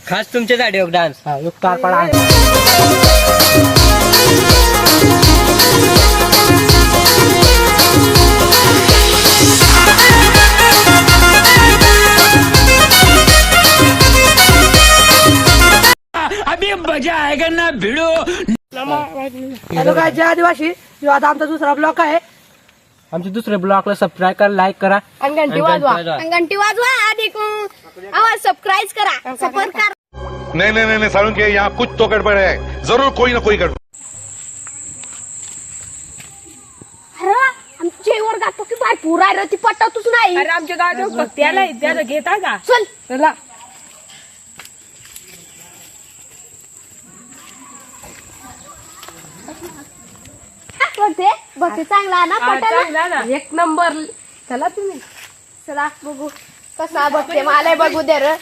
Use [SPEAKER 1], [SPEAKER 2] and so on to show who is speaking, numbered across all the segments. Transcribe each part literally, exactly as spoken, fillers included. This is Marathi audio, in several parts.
[SPEAKER 1] खास तुमच्यासाठी एक डान्स.
[SPEAKER 2] हा एक तारपाडा
[SPEAKER 3] अभी मजा आएगा ना भिड़ो.
[SPEAKER 2] हॅलो काय जय आदिवासी. जो आता आमचा दुसरा ब्लॉक आहे. आमच्या दुसऱ्या ब्लॉकला सबस्क्राईब करा, लाईक करा
[SPEAKER 4] आणि घंटी वाजवा आणि घंटी वाजवा आणि आवाज सबस्क्राईब करा, सपोर्ट करा.
[SPEAKER 5] नहीं नहीं नहीं सारुण के यहाँ कुछ तो गड़बड़ है, जरूर कोई ना कोई गड़बड़.
[SPEAKER 4] अरे आमच्या वर्गात तो की बाय पुरा रे ती पटतच नाही.
[SPEAKER 6] अरे आमच्या गावात भक्ती आलाय त्याला घेता का.
[SPEAKER 4] चल
[SPEAKER 6] चला
[SPEAKER 4] बघते बघते चांगला ना
[SPEAKER 6] हा,
[SPEAKER 4] पटाला
[SPEAKER 6] चांगला ना.
[SPEAKER 2] एक नंबर. चला तुम्ही
[SPEAKER 4] चला बघू कसा बघते मला बघू दे रे.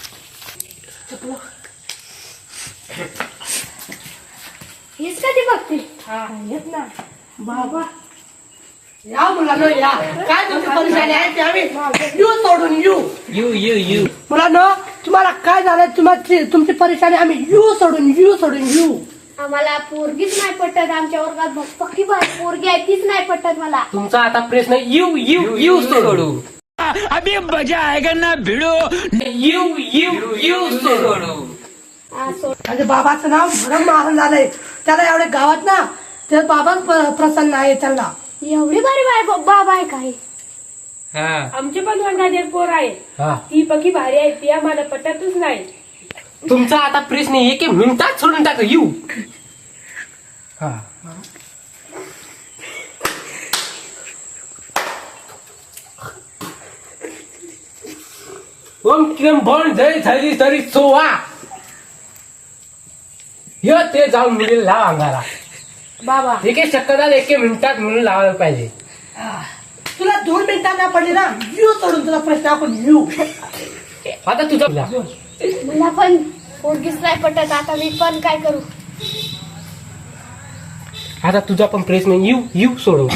[SPEAKER 4] हेच कधी बघते
[SPEAKER 2] येत ना बाबा. या मुलांनो या. काय तुमची परेशानी आहे ते आम्ही यू सोडून यू
[SPEAKER 1] यू यू यू
[SPEAKER 2] मुलांनो तुम्हाला काय झालं, तुमची तुमची परेशानी आम्ही यू सोडून यू सोडून यू.
[SPEAKER 4] आम्हाला पोरगीच नाही पटत. आमच्या वर्गात बघ पक्की बाय पोरगी आहे तीच नाही पटत मला.
[SPEAKER 2] तुमचा आता प्रश्न यू यू यू सोडू.
[SPEAKER 3] अभी मजा आएगा ना भिड़ो.
[SPEAKER 2] यू यू यू सोडू.
[SPEAKER 4] हा, सोड.
[SPEAKER 2] माझ्या बाबाचं नाव भरम मारून झालंय. त्याला एवढे गावात ना ते बाबाच प्रसन्न आहे त्यांना.
[SPEAKER 4] एवढी भारी बाय बाबा आहे काय.
[SPEAKER 6] आमचे पण वर्गात एक पोर आहे.
[SPEAKER 2] हा.
[SPEAKER 6] ती पकी भारी आहे, ती आम्हाला पटतच नाही.
[SPEAKER 2] तुमचा आता प्रश्न एक मिनिटात सोडून टाक यू. हा ओम किरण बन जय झाली तरी सोवा. य ते जाऊन मुलीला लावा अंगाला.
[SPEAKER 6] बाबा
[SPEAKER 2] एक एक शक्यता एक मिनिटात मुली लावायला पाहिजे. तुला दोन मिनिटात नाही पडली ना यू सोडून तुला प्रश्न आपण यू. आता तुझा
[SPEAKER 4] मला पण पोरगीच नाही पटत. आता मी पण काय करू.
[SPEAKER 2] आता तुझा पण प्रश्न यू यू सोडव.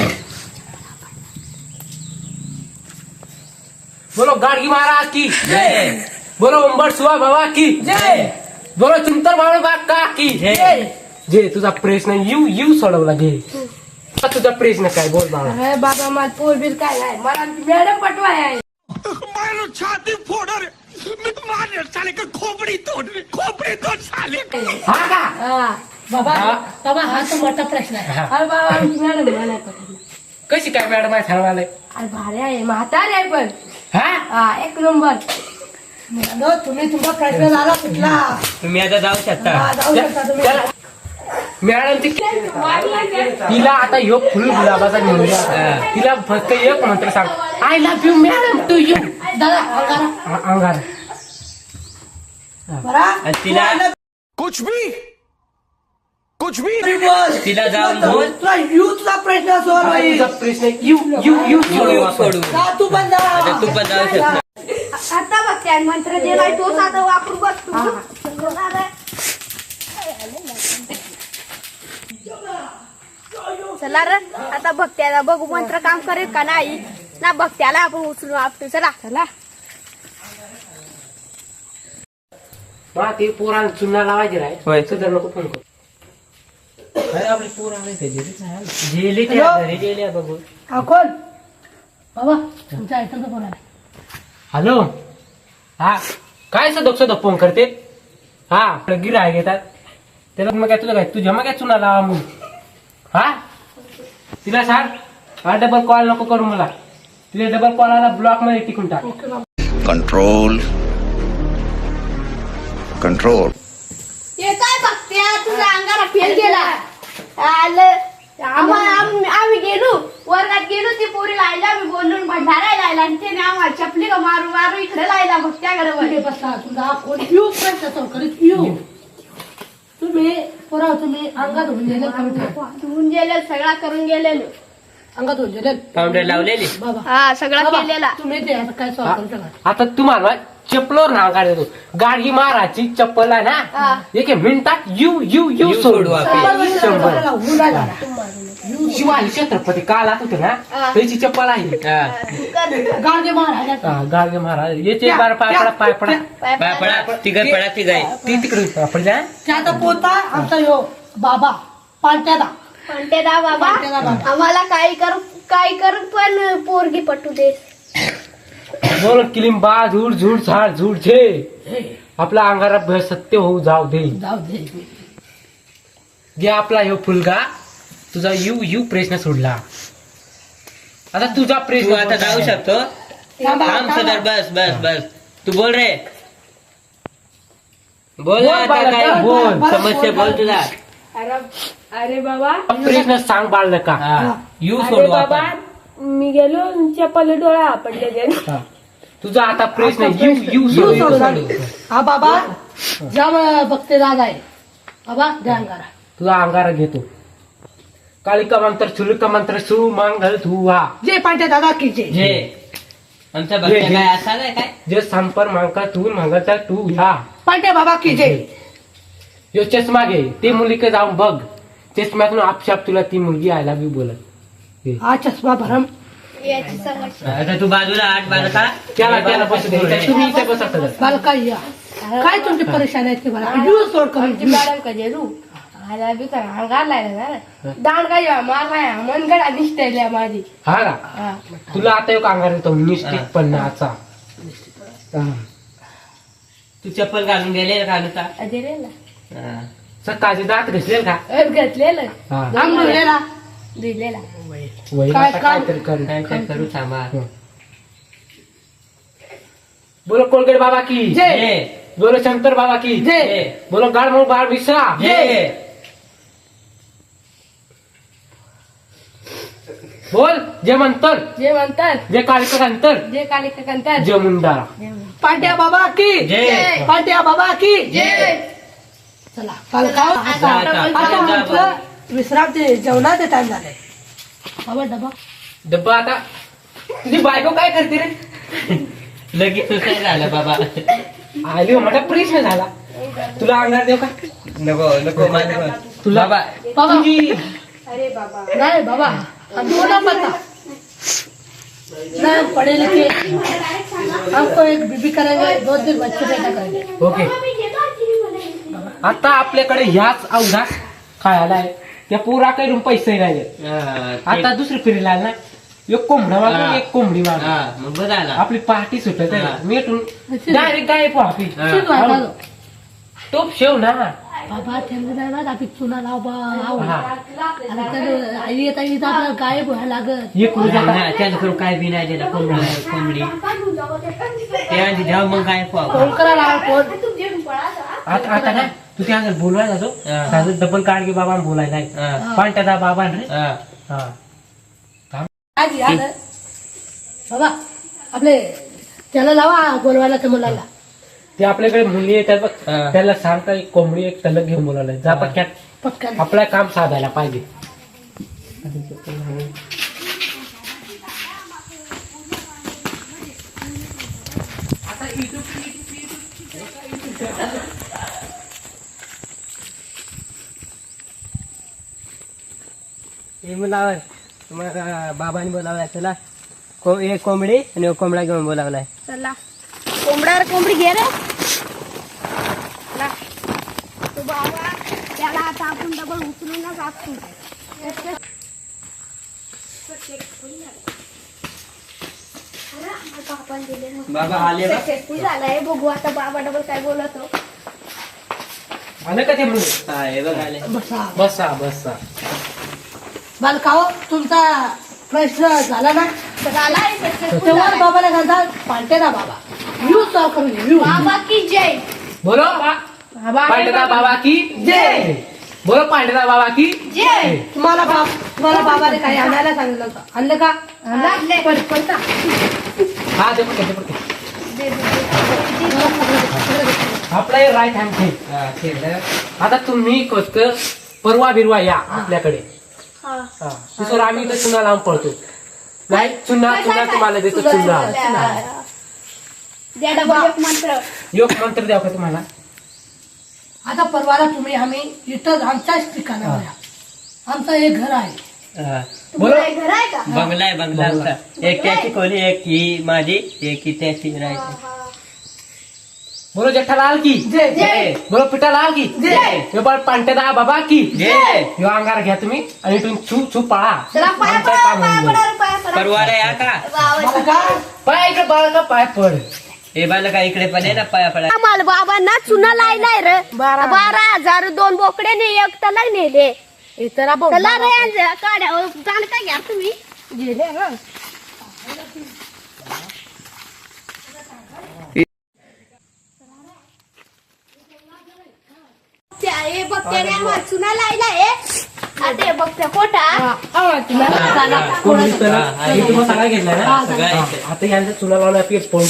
[SPEAKER 2] बोलो गाडगी महाराज की
[SPEAKER 1] जय.
[SPEAKER 2] बोलो उंबट सुहा बाबा की जय. बोलो चिंतर बाबा बाका की
[SPEAKER 1] जय.
[SPEAKER 2] जे तुझा प्रश्न यू यू सोडवला घे. आता तुझा प्रश्न काय बोल बाबा.
[SPEAKER 6] अरे बाबा मला पोर बिल काय नाही. मला मॅडम पटवाय आहे.
[SPEAKER 3] मारो छाती फोड़ रे. मैं मार साले का खोपड़ी तोड़ रे. खोपड़ी तोड़ साले.
[SPEAKER 2] हा का
[SPEAKER 6] हा.
[SPEAKER 2] बाबा बाबा हा तो मोठा प्रश्न आहे.
[SPEAKER 6] अरे बाबा आमची मॅडम मला पटत.
[SPEAKER 2] कशी काय मॅडम आहे सांगायला.
[SPEAKER 6] अरे भारी आहे, म्हातारी आहे पण.
[SPEAKER 2] हा
[SPEAKER 6] हा एक नंबर.
[SPEAKER 2] तुम्ही तुमचा प्रश्न झाला कुठला.
[SPEAKER 1] तुम्ही आता जाऊ शकता.
[SPEAKER 2] जाऊ शकता तुम्ही. मॅडम ती तिला आता ह्यो फुल गुलाबाचा घेऊन तिला फक्त एक मंत्र सांग. I love you madam to you. अंगार
[SPEAKER 1] आणि तिला
[SPEAKER 5] कुछ भी कुछ भी
[SPEAKER 1] तिला जाऊन बोल.
[SPEAKER 2] तुला यू तुझा प्रश्न तुझा प्रश्न you you you
[SPEAKER 1] you you सोडू.
[SPEAKER 2] तू पण जा.
[SPEAKER 1] आता तू पण जाऊ शकता.
[SPEAKER 4] आता बघते आणि मंत्र दिलाय तोच आता वापरून बघ तू. चला रे आता भक्त्याला बघू मंत्र काम करेल का नाही ना. भक्त्याला आपण उचलून आपटू. चला चला
[SPEAKER 2] मा ते पोरांना चुना लावायचे राय.
[SPEAKER 1] होय.
[SPEAKER 2] सदर नको फोन कर.
[SPEAKER 1] आपले पोर आले ते गेले त्या घरी गेल्या बघू.
[SPEAKER 2] हा कोण बाबा तुमच्या आयटमचा फोन आला. हॅलो हा काय सदक सदक फोन करते. हा गिराय घेतात त्याला मग काय तुला काय तुझ्या मग काय चुना लावा म्हणून. हा तिला सांग हा डबल कॉल नको करू मला. तिला डबल कॉल आला ब्लॉक मध्ये टिकून टाक.
[SPEAKER 5] Control control.
[SPEAKER 4] हे काय बघत्या तुझ्या अंगाला फेल गेला. आलं आम्हाला आम्ही आम्ही गेलो वर्गात गेलो ती पोरी लायला आम्ही बोलून भंडारा लायला आणि त्याने आम्हाला चपली का मारू मारू इकडे लायला भक्त्याकडे
[SPEAKER 2] बसला तुझा कोण येऊ प्रश्न करीत येऊ. तुम्ही पोरा तुम्ही अंगात होऊन गेले
[SPEAKER 4] धुवून गेले सगळा करून गेलेलो.
[SPEAKER 2] अंगात होऊन गेले
[SPEAKER 1] पावडर लावलेली.
[SPEAKER 2] बाबा
[SPEAKER 4] हा सगळा केलेला.
[SPEAKER 2] तुम्ही ते आता काय सॉल्व करू शकता. आता तुम्हाला चप्पलवर ना काढतो गाडी मारायची चप्पल आहे
[SPEAKER 4] हा.
[SPEAKER 2] ना एक मिनिटात यू यू यू
[SPEAKER 1] यू
[SPEAKER 2] सोडू
[SPEAKER 1] सोडू आपण.
[SPEAKER 2] आपण. शंभर.
[SPEAKER 6] उन्हाळा
[SPEAKER 2] शिवाजी छत्रपती काला होते ना
[SPEAKER 4] हा.
[SPEAKER 2] त्याची चप्पल आहे
[SPEAKER 1] हा.
[SPEAKER 6] गाडगे महाराज
[SPEAKER 2] हा, गाडगे महाराज याचे बार पाय पडा पाय पडा
[SPEAKER 1] पाय पडा तिघ पडा तिघाय
[SPEAKER 2] ती तिकडे पडल्या
[SPEAKER 6] त्याचा पोता आमचा यो बाबा पालट्यादा
[SPEAKER 4] म्हणते दा बाबा
[SPEAKER 6] म्हणते दा बाबा.
[SPEAKER 4] आम्हाला काही कर काही कर पण पोरगी पटू दे.
[SPEAKER 2] बोल किलिंबा झूड झूड झाड झूड झे आपला अंगारा भय सत्य होऊ जाऊ दे
[SPEAKER 6] जाऊ दे
[SPEAKER 2] जे आपला ह्यो फुलगा तुझा यू यू प्रश्न सोडला आता तुझा
[SPEAKER 1] तू
[SPEAKER 2] प्रश्न
[SPEAKER 1] आता जाऊ शकतो
[SPEAKER 6] थांबा,
[SPEAKER 1] थांब
[SPEAKER 6] थांबा.
[SPEAKER 1] सदर बस बस बस तू बोल रे बोल
[SPEAKER 2] बोल
[SPEAKER 1] आता
[SPEAKER 2] बाळा,
[SPEAKER 1] काय
[SPEAKER 2] बोल,
[SPEAKER 1] बोल
[SPEAKER 6] बोल.
[SPEAKER 1] समस्या बोल तुला
[SPEAKER 7] अरे अरे बाबा
[SPEAKER 2] प्रश्न सांग बाळलं का
[SPEAKER 1] हा. यू
[SPEAKER 7] अरे
[SPEAKER 1] सोडू
[SPEAKER 7] बाबा
[SPEAKER 1] आपण
[SPEAKER 7] मी गेलो चप्पल डोळा पडले ते
[SPEAKER 2] हा. तुझा आता प्रश्न यू यू
[SPEAKER 6] यू
[SPEAKER 2] सोड
[SPEAKER 6] सोडू.
[SPEAKER 2] सोड.
[SPEAKER 6] हा बाबा जाम बघते दादा आहे बाबा ध्यान करा
[SPEAKER 2] तुझा अंगारा घेतो कालिका मंत्र सुलिका मंत्र सु मांगल तू हा
[SPEAKER 6] जे पांट्या दादा की जे
[SPEAKER 1] जे आमचा
[SPEAKER 2] जे,
[SPEAKER 1] भक्त
[SPEAKER 2] जे.
[SPEAKER 1] काय असा नाही काय
[SPEAKER 2] जे संपर मांका तू मांगाचा तू ह्या
[SPEAKER 6] पांट्या बाबा की जे
[SPEAKER 2] यो चष्मा घे ते मुलीकडे जाऊन बघ चष्म्यातून आपशाप तुला ती मुलगी आयला बी बोलत हे.
[SPEAKER 6] हा चष्मा भरम
[SPEAKER 4] याची समस्या
[SPEAKER 1] आता तू बाजूला आठ बाजूला
[SPEAKER 2] त्याला त्याला बसू दे इथे तुम्ही इथे बसा सगळं.
[SPEAKER 6] मला काय या काय तुमची परेशानी आहे ते मला यू सोड करून
[SPEAKER 7] आमची मॅडम का जेरू आला बी काय अंगार लागला ना दांड काय मार काय मन गडा निष्ठल्या माझी
[SPEAKER 2] हा का
[SPEAKER 7] हा.
[SPEAKER 2] तुला आता एक अंगार येतो निश्चितपणाचा हा.
[SPEAKER 1] तू चप्पल घालून गेले घालू का
[SPEAKER 7] दिलेला
[SPEAKER 2] सकाळचे दात घसलेल का
[SPEAKER 7] घेतलेलं
[SPEAKER 2] हा
[SPEAKER 6] आम धुलेला
[SPEAKER 7] दिलेला
[SPEAKER 2] वही
[SPEAKER 6] काय
[SPEAKER 2] आता
[SPEAKER 6] काम?
[SPEAKER 2] काहीतरी करू
[SPEAKER 1] काय काय करू थांबा
[SPEAKER 2] बोलो कोलगेट बाबा की
[SPEAKER 6] जय.
[SPEAKER 1] जे
[SPEAKER 2] बोलो शंकर बाबा की
[SPEAKER 6] जय.
[SPEAKER 2] बोलो गाडमोळ बाळ विसरा
[SPEAKER 1] जे
[SPEAKER 2] बोल जे मंतर
[SPEAKER 7] जे म्हणतात
[SPEAKER 2] जे कालिका अंतर
[SPEAKER 7] जे काली कंतात
[SPEAKER 2] जे मुंडारा
[SPEAKER 6] पांट्या बाबा की
[SPEAKER 1] जे
[SPEAKER 6] पांट्या बाबा की चला काल का
[SPEAKER 1] जा आता.
[SPEAKER 6] आता म्हटलं विश्रांती जेवणाचे टाइम झाले बाबा डबा
[SPEAKER 2] डब्बा आता तुझी बायको काय करते रे
[SPEAKER 1] लगेच सुसाईड झालं बाबा
[SPEAKER 2] आली मोठा प्रश्न झाला तुला अंगार देऊ का
[SPEAKER 1] नको नको माझं
[SPEAKER 2] तुला
[SPEAKER 6] बाबा
[SPEAKER 2] तुझी
[SPEAKER 7] अरे बाबा
[SPEAKER 6] नहीं बाबा हमको ना पता ना हम पढ़े लिखे हमको एक बीबी करेंगे दो तीन बच्चे पैदा करेंगे
[SPEAKER 2] ओके आता आपल्याकडे ह्याच अवघा खायला आहे त्या पुरा काही पैसे नाही आहेत.
[SPEAKER 1] हा,
[SPEAKER 2] आता दुसरी फिरीला आला ना एक कोंबडा
[SPEAKER 1] हा.
[SPEAKER 2] मागून एक कोंबडी मागून
[SPEAKER 1] हा, मग बरं आला
[SPEAKER 2] आपली पार्टी सुटत
[SPEAKER 1] हा.
[SPEAKER 2] मिटून डायरेक्ट गायब आपली
[SPEAKER 1] हा.
[SPEAKER 6] शिट वाटा दो
[SPEAKER 2] टोप शेव ना
[SPEAKER 6] बाबा त्यांना नाही ना आपण चुना लाव बा लाव
[SPEAKER 2] हा.
[SPEAKER 6] आणि तर आई येता येता आपल्याला गायब व्हायला लागत
[SPEAKER 2] एक रुपया
[SPEAKER 1] नाही, त्याला करून काय बी नाही दिला कोंबडी कोंबडी ते आधी जाऊ मग काय पाहू
[SPEAKER 6] फोन करा लाव फोन
[SPEAKER 2] आता आता ना तू त्या बोलवायला जातो
[SPEAKER 1] हा.
[SPEAKER 2] त्याचं डबल काढ की बाबा बोलायला आहे.
[SPEAKER 1] हा.
[SPEAKER 2] पण त्याचा बाबा रे
[SPEAKER 1] हा.
[SPEAKER 2] हा
[SPEAKER 6] आज याद बाबा आपले त्याला लावा बोलवायला त्या मुलाला
[SPEAKER 2] ते आपल्याकडे मुली येतात बघ
[SPEAKER 1] हा.
[SPEAKER 2] त्याला सांगता एक कोंबडी एक तलक घेऊन बोलायला जा
[SPEAKER 1] हा.
[SPEAKER 2] पटक्यात
[SPEAKER 6] पटकन
[SPEAKER 2] आपलं काम साधायला पाहिजे
[SPEAKER 8] हे बोलावं तुम्हाला बाबांनी बोलावलाय चला को एक कोंबडी आणि एक कोंबडा घेऊन बोलावलाय
[SPEAKER 4] चला कोंबड्यावर कोंबडी घे रे चला. तो बाबा त्याला आता आपण डबल उचलूनच आपसून आपण दिले
[SPEAKER 1] बाबा आले बा.
[SPEAKER 4] सक्सेसफुल झालाय बघू आता बाबा डबल काय बोलतो.
[SPEAKER 2] आलं का ते मुली
[SPEAKER 1] हा, हे बघ आले
[SPEAKER 6] बसा
[SPEAKER 2] बसा बसा
[SPEAKER 6] बालकाओ तुमचा प्रश्न झाला ना
[SPEAKER 4] झालाय सक्सेसफुल
[SPEAKER 6] तेव्हा
[SPEAKER 4] झालाय.
[SPEAKER 6] बाबाला घालता पालटे ना बाबा यू सॉ करून यू
[SPEAKER 4] बाबा की जय.
[SPEAKER 2] बोलो पांडता बाबा की
[SPEAKER 6] जय
[SPEAKER 2] बोलो पांडता बाबा की
[SPEAKER 4] जय.
[SPEAKER 6] तुम्हाला बाप तुम्हाला बाबाने काही आणायला सांगितलं होतं आणलं का
[SPEAKER 4] आणलं.
[SPEAKER 6] पण पण का?
[SPEAKER 2] हा दे पटके दे पटके
[SPEAKER 4] दे, दे, दे.
[SPEAKER 2] आपला हे राईट हँड ठेव
[SPEAKER 1] हा, ठेवलं.
[SPEAKER 2] आता तुम्ही फक्त परवा बिरवा या आपल्याकडे
[SPEAKER 4] हा.
[SPEAKER 2] हा तिथं आम्ही इथं चुना लावून पळतो नाही चुना चुना तुम्हाला देतो चुना
[SPEAKER 4] द्या डबल एक मंत्र
[SPEAKER 2] योग मंत्र द्याव का तुम्हाला?
[SPEAKER 6] आता परवाला तुम्ही आम्ही इथं आमच्याच ठिकाणावर या. आमचं एक घर आहे.
[SPEAKER 1] हा.
[SPEAKER 2] बोलो.
[SPEAKER 4] तुम्हाला घर आहे का
[SPEAKER 1] बंगला आहे बंगला आमचा. एक त्याची खोली, एक ही माझी, एक ही त्याची राहायची.
[SPEAKER 2] बोलो जेठालाल की
[SPEAKER 6] जय
[SPEAKER 4] जय
[SPEAKER 2] बोलो पिठालाल की
[SPEAKER 4] जय.
[SPEAKER 2] हे बळ पांटेदा बाबा की
[SPEAKER 1] जय.
[SPEAKER 2] ह्यो अंगार घ्या तुम्ही आणि इथून छू छू पळा.
[SPEAKER 4] चला पाया
[SPEAKER 2] आमचं
[SPEAKER 4] पडा
[SPEAKER 2] काम
[SPEAKER 4] पाया
[SPEAKER 2] होऊन
[SPEAKER 4] पडा
[SPEAKER 2] जाईल.
[SPEAKER 4] रे, पाया पडा
[SPEAKER 1] परवाला या का?
[SPEAKER 4] वाव.
[SPEAKER 6] मला काय
[SPEAKER 2] पाय इकडे बाळ का पाय पड.
[SPEAKER 1] हे बाला का इकडे पण आहे ना पाया पडा.
[SPEAKER 4] आम्हाला बाबांना चुना लायलाय रे बारा हजार दोन बोकडे ने एक तला नेले
[SPEAKER 7] इतर
[SPEAKER 4] चला रे यांचं काढ्या जाण काय घ्या तुम्ही
[SPEAKER 7] गेले ना
[SPEAKER 4] त्या हे बघते रे आम्हाला चुना लायलाय आता हे बघते कोटा
[SPEAKER 2] कोणी तर
[SPEAKER 1] हा, हा,
[SPEAKER 2] मी तुम्हाला सगळा घेतला ना.
[SPEAKER 1] सगळं आहे.
[SPEAKER 2] हा, आता यांचा चुना लावला की फोन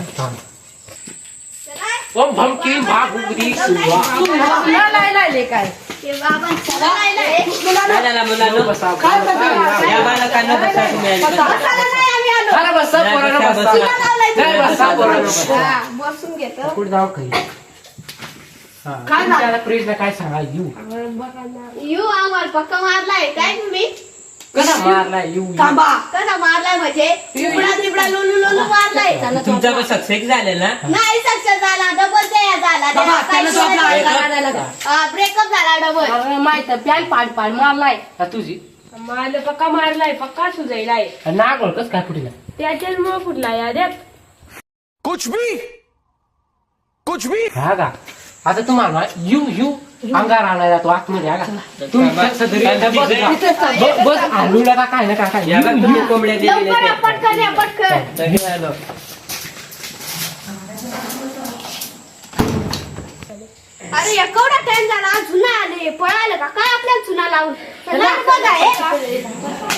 [SPEAKER 2] ओम भमकी भागुगरी सुवा.
[SPEAKER 7] लायले काय
[SPEAKER 4] हे बाबा चुना लायलाय
[SPEAKER 1] चला मुलांनो.
[SPEAKER 2] बसा.
[SPEAKER 1] या बालकांना बसा तुम्ही आधी.
[SPEAKER 4] बसायला नाही आम्ही आलो
[SPEAKER 2] अरे बसा पोरांनो बसा.
[SPEAKER 4] चुना लावलाय
[SPEAKER 2] नाही बसा पोरांनो बसा.
[SPEAKER 4] हा, बसून घेतो
[SPEAKER 2] कुठे जाऊ काही काय त्याला प्रेसला काय सांगा यू
[SPEAKER 4] यू आम्हाला पक्का मारलाय काय तुम्ही
[SPEAKER 2] कसा मारला यू
[SPEAKER 6] थांबा.
[SPEAKER 4] कसा मारलाय म्हणजे तिबडा तिबडा लोलू लोलू मारलाय
[SPEAKER 1] तुमचा पण सक्सेस झालेला ना?
[SPEAKER 4] नाही सक्सेस झाला डबल ते झाला
[SPEAKER 6] बाबा, त्याला तो आपला अंगार आणायला जा.
[SPEAKER 4] ब्रेकअप झाला डबल
[SPEAKER 7] माहित पॅन पाड पाड मारलाय
[SPEAKER 2] हा, तुझी
[SPEAKER 7] मारलं पक्का मारलाय पक्का सुजायलाय
[SPEAKER 2] नाग ओळखच काय फुटीला
[SPEAKER 7] त्याच्याच मुळे फुटला याद्यात
[SPEAKER 3] कुछ भी कुछ भी
[SPEAKER 2] हा का आता तुम्हाला यू यू अंगार आणायला तो आतमध्ये हा का तुम्ही कसं तरी
[SPEAKER 1] काय
[SPEAKER 2] बस
[SPEAKER 1] तिथे?
[SPEAKER 2] बस- बस आलूला का काय ना काय काय
[SPEAKER 1] या बघ
[SPEAKER 2] यू,
[SPEAKER 1] तुम्ही
[SPEAKER 2] यू.
[SPEAKER 1] कोंबड्या दिलेल्या
[SPEAKER 4] लवकर या,
[SPEAKER 1] त्या.
[SPEAKER 4] पटकन या पटकन
[SPEAKER 1] तरी आलो.
[SPEAKER 4] अरे या केवढा टाइम झाला आज चुना आले पळायला का काय आपल्याला चुना लावून चला रे बघा हे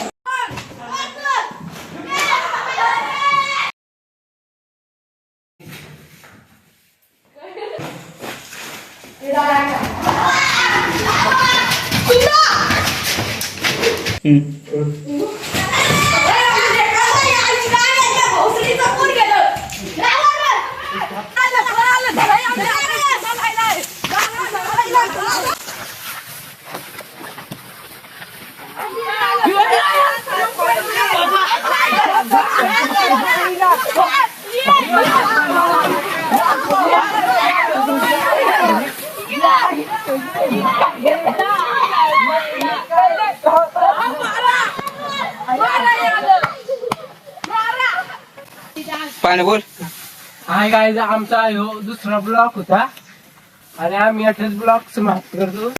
[SPEAKER 8] पाणी बोल.
[SPEAKER 2] हाय काय आमचा ह्यो दुसरा ब्लॉक होता आणि आम्ही अठ्ठावीस ब्लॉक समाप्त करतो.